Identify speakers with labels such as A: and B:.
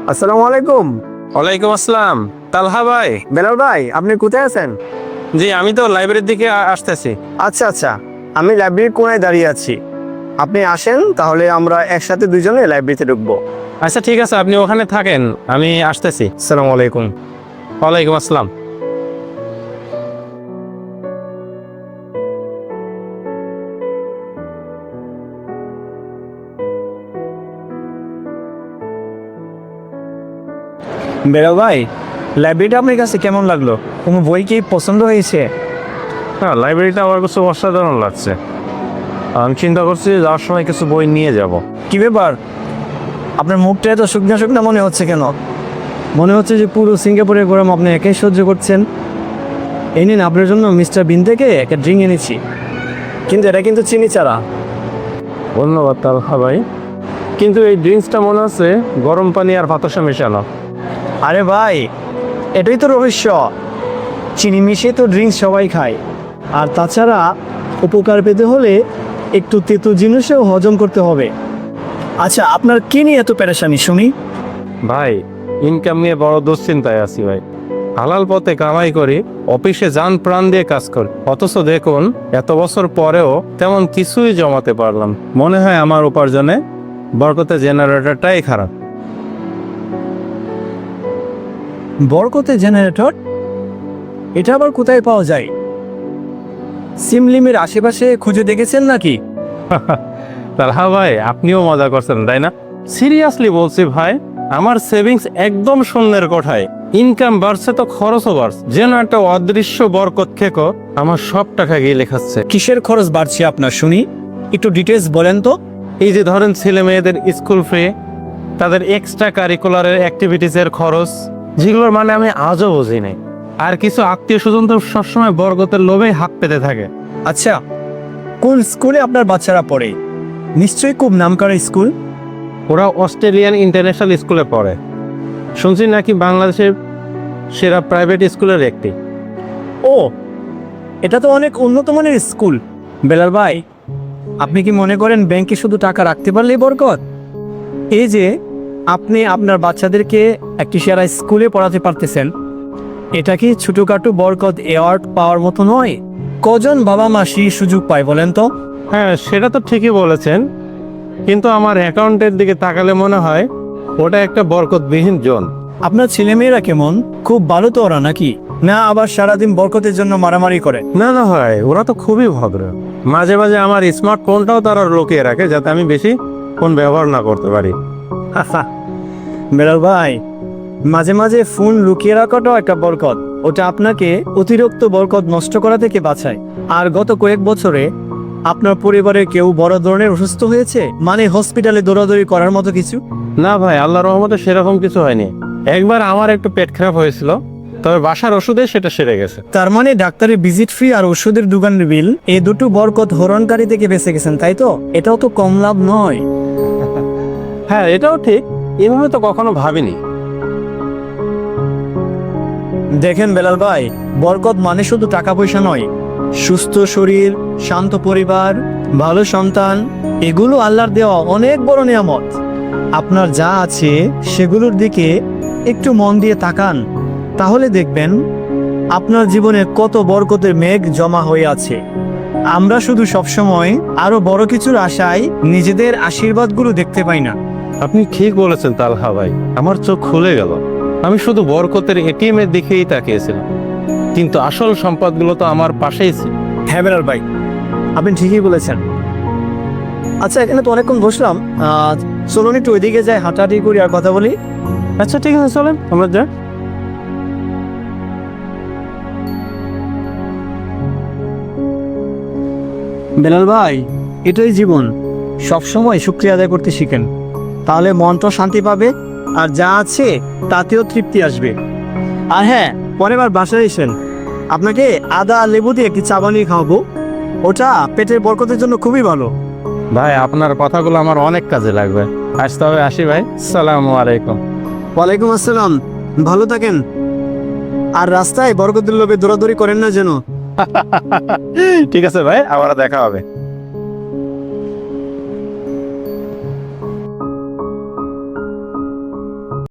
A: আসসালামু আলাইকুম।
B: ওয়ালাইকুম আসসালাম। তালহা ভাই।
A: বেলাল ভাই, আপনি কোথায় আছেন?
B: জি, আমি তো লাইব্রেরির দিকে আসতেছি।
A: আচ্ছা আচ্ছা, আমি লাইব্রেরির কোনায় দাঁড়িয়ে আছি। আপনি আসেন, তাহলে আমরা একসাথে দুজনে লাইব্রেরিতে ঢুকবো।
B: আচ্ছা ঠিক আছে, আপনি ওখানে থাকেন, আমি আসতেছি।
A: আসসালামু আলাইকুম।
B: ওয়ালাইকুম আসসালাম।
A: বেলাল ভাই, লাইব্রেরিটা আপনার কাছে কেমন লাগলো? কোনো বই কি পছন্দ হয়েছে?
B: হ্যাঁ, লাইব্রেরিটা আমার কাছে অসাধারণ লাগছে। আমি চিন্তা করছি যাওয়ার সময় কিছু বই নিয়ে যাব।
A: কি ব্যাপার, আপনার মুখটা এত শুকনা শুকনা মনে হচ্ছে কেন? মনে হচ্ছে যে পুরো সিঙ্গাপুরের গরম আপনি একাই সহ্য করছেন। এই নিন, আপনার জন্য মিস্টার বিন থেকে একটা ড্রিঙ্ক এনেছি, কিন্তু এটা কিন্তু চিনি ছাড়া।
B: ধন্যবাদ তালহা ভাই, কিন্তু এই ড্রিঙ্কসটা মনে হচ্ছে গরম পানি আর বাতাসা মেশানো।
A: আরে ভাই, এটাই তো রহস্য। চিনি মিশিয়ে তো ড্রিঙ্কস সবাই খায়, আর তাছাড়া উপকার পেতে হলে একটু তেতো জিনিসও হজম করতে হবে। আচ্ছা, আপনার কি নিয়ে এত পেরেশানি শুনি?
B: ভাই, ইনকাম নিয়ে বড় দুশ্চিন্তায় আছি ভাই। হালাল পথে কামাই করি, অফিসে যান প্রাণ দিয়ে কাজ করি, অথচ দেখুন এত বছর পরেও তেমন কিছুই জমাতে পারলাম। মনে হয় আমার উপার্জনে বরকতে জেনারেটরটাই খারাপ।
A: বরকতে জেনারেটর? এটা আবার কোথায় পাওয়া যায়? সিমলিমের আশেপাশে খুঁজে দেখেছেন নাকি?
B: তালহা ভাই, আপনিও মজা করছেন তাই না? সিরিয়াসলি বলছি ভাই, আমার সেভিংস একদম শূন্যের কোঠায়। ইনকাম বাড়ছে তো খরচও বাড়ছে, যেন একটা অদৃশ্য বরকত খেকো আমার সব টাকা গিয়ে লেখাচ্ছে।
A: কিসের খরচ বাড়ছে আপনার শুনি? একটু ডিটেলস বলেন তো।
B: এই যে ধরেন ছেলে মেয়েদের স্কুল ফি, তাদের এক্সট্রা কারিকুলারের অ্যাক্টিভিটিসের খরচ, যেগুলোর মানে আমি আজও বুঝি নাই। আর কিছু আত্মীয় স্বজন তো সবসময় বরকতের লোভেই হাত পেতে থাকে।
A: আচ্ছা, কোন স্কুলে আপনার বাচ্চারা পড়ে? নিশ্চয়ই খুব নামকরা স্কুল।
B: ওরা অস্ট্রেলিয়ান ইন্টারন্যাশনাল স্কুলে পড়ে, শুনছি নাকি বাংলাদেশের সেরা প্রাইভেট স্কুলের একটি।
A: ও, এটা তো অনেক উন্নত মানের স্কুল। বেলাল ভাই, আপনি কি মনে করেন ব্যাংকে শুধু টাকা রাখতে পারলেই বরকত? এই যে আপনি আপনার বাচ্চাদেরকে একটি সেরা স্কুলে পড়াতে পারতেছেন, এটা কি ছোটখাটো বরকত অ্যাওয়ার্ড পাওয়ার মতো নয়? কজন বাবা মা সেই সুযোগ পায় বলেন তো?
B: হ্যাঁ, সেটা তো ঠিকই বলেছেন, কিন্তু আমার অ্যাকাউন্টের দিকে তাকালে মনে হয় ওটা একটা বরকতবিহীন জোন।
A: আপনার ছেলেমেয়েরা কেমন? খুব ভালো তো ওরা নাকি? না আবার সারাদিন বরকতের জন্য মারামারি করে?
B: না না ভাই, ওরা তো খুবই ভদ্র। মাঝে মাঝে আমার স্মার্টফোনটাও তারা লুকিয়ে রাখে, যাতে আমি বেশি ফোন ব্যবহার না করতে পারি।
A: বেলাল ভাই, মাঝে মাঝে ফোন লুকিয়ে রাখাটাও একটা বরকত। ওটা আপনাকে অতিরিক্ত বরকত নষ্ট করা থেকে বাঁচায়। আর গত কয়েক বছরে আপনার পরিবারে কেউ বড় ধরনের অসুস্থ হয়েছে, মানে হসপিটালে দৌড়াদৌড়ি করার মতো কিছু?
B: না ভাই, আল্লাহর রহমতে সেরকম কিছু হয়নি। একবার আমার একটু পেট খারাপ হয়েছিল, তবে বাসার ওষুধে সেটা সেরে গেছে।
A: তার মানে ডাক্তারের ভিজিট ফি আর ওষুধের দোকানের বিল, এই দুটো বরকত হরণকারী থেকে বেঁচে গেছেন, তাই তো? এটাও তো কম লাভ নয়।
B: হ্যাঁ, এটাও ঠিক, এভাবে তো কখনো ভাবিনি।
A: দেখেন বেলাল ভাই, বরকত মানে শুধু টাকা পয়সা নয়। সুস্থ শরীর, শান্ত পরিবার, ভালো সন্তান, এগুলো আল্লাহর দেওয়া অনেক বড় নিয়ামত। আপনার যা আছে সেগুলোর দিকে একটু মন দিয়ে তাকান, তাহলে দেখবেন আপনার জীবনে কত বরকতের মেঘ জমা হয়ে আছে। আমরা শুধু সবসময় আরো বড় কিছুর আশায় নিজেদের আশীর্বাদগুলো দেখতে পাই না।
B: আপনি ঠিক বলেছেন তালহা ভাই, আমার চোখ খুলে গেল। আমি শুধু বরকতের এটিএম এর দিকেই তাকিয়েছিলাম, কিন্তু আসল সম্পদগুলো তো আমার পাশেই ছিল।
A: হ্যাঁ বেলাল ভাই, আপনি ঠিকই বলেছেন। আচ্ছা, এখানে তো অনেকক্ষণ বসলাম, চলুন একটু ওইদিকে যাই, হাঁটাহাঁটি করি আর কথা বলি।
B: আচ্ছা ঠিক আছে, চলেন আমরা যাই।
A: বেলাল ভাই, এটাই জীবন। সবসময় শুকরিয়া আদায় করতে শিখেন, তাহলে মনটা শান্তি পাবে, আর যা আছে তাতেও তৃপ্তি আসবে। আর হ্যাঁ, পরের বার বাসায় এসেন, আপনাকে আদা আর লেবু দিয়ে একটি চা বানিয়ে খাওয়াবো। ওটা পেটের বরকতের জন্য খুবই ভালো।
B: ভাই, আপনার কথাগুলো আমার অনেক কাজে লাগবে। আজ তবে আসি ভাই, সালামু আলাইকুম।
A: ওয়ালাইকুম আসসালাম, ভালো থাকেন। আর রাস্তায় বরকতের লোভে দৌড়াদৌড়ি করেন না যেন।
B: ঠিক আছে ভাই, আবার দেখা হবে।